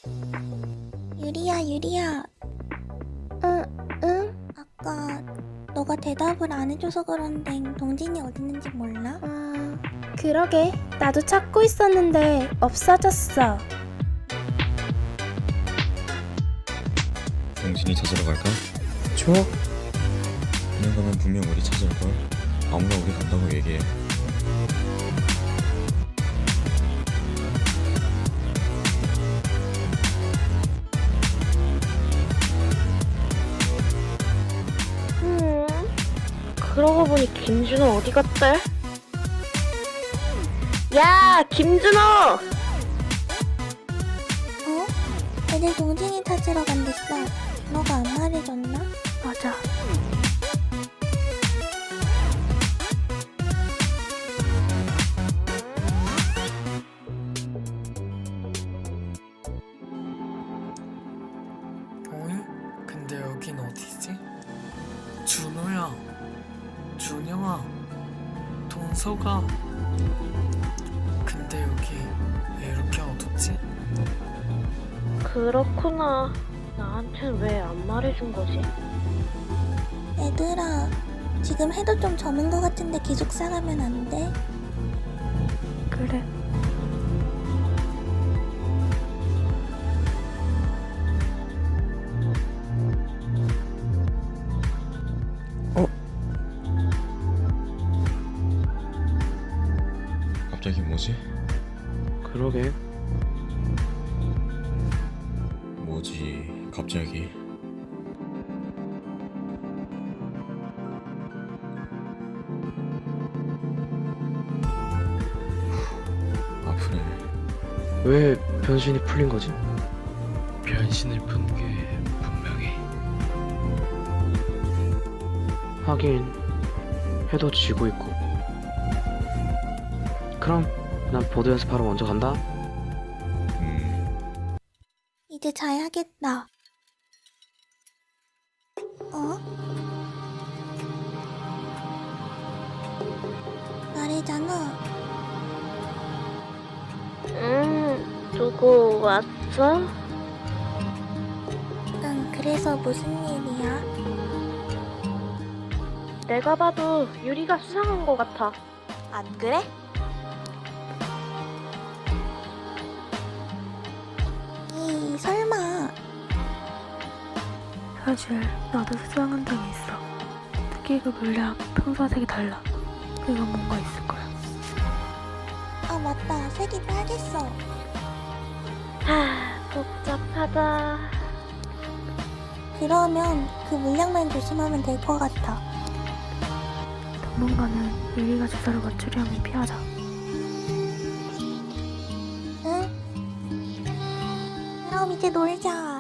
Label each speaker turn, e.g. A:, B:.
A: 유리야.
B: 응?
A: 아까 너가 대답을 안 해줘서 그런데 동진이 어딨는지 몰라?
B: 그러게. 나도 찾고 있었는데 없어졌어.
C: 동진이 찾으러 갈까?
B: 좋아.
C: 그냥 가면 분명 우리 찾을걸. 아무나 우리 간다고 얘기해.
D: 그러고 보니 김준호 어디 갔대? 야, 김준호!
A: 애들 동진이 찾으러 간댔어. 너가 안 말해줬나?
D: 맞아.
E: 어이? 근데 여긴 어디지? 준호야, 준영아, 동서가. 근데 여기 왜 이렇게 어둡지?
D: 그렇구나. 나한텐 왜 안 말해준 거지?
A: 얘들아, 지금 해도 좀 저문 것 같은데 기숙사 가면 안 돼?
D: 그래.
C: 갑자기 뭐지?
F: 그러게.
C: 뭐지 갑자기? 아프네.
F: 왜 변신이 풀린 거지?
G: 변신을 푼 게 분명히
F: 하긴 해도 지고 있고. 그럼 난 보드 연습하러 먼저 간다.
A: 이제 자야겠다. 말해잖아.
D: 누구 왔어?
A: 응, 그래서 무슨 일이야?
D: 내가 봐도 유리가 수상한 것 같아.
A: 안 그래? 설마.
H: 사실 나도 수상한 적이 있어. 특히 그 물약 평소와 색이 달라. 이건 뭔가 있을 거야.
A: 아, 맞다. 색이 빨갰어.
D: 복잡하다.
A: 그러면 그 물량만 조심하면 될 것 같아.
H: 당분간은 유리가 주사를 맞추려 하면 피하자.
A: 응? 그럼 이제 놀자.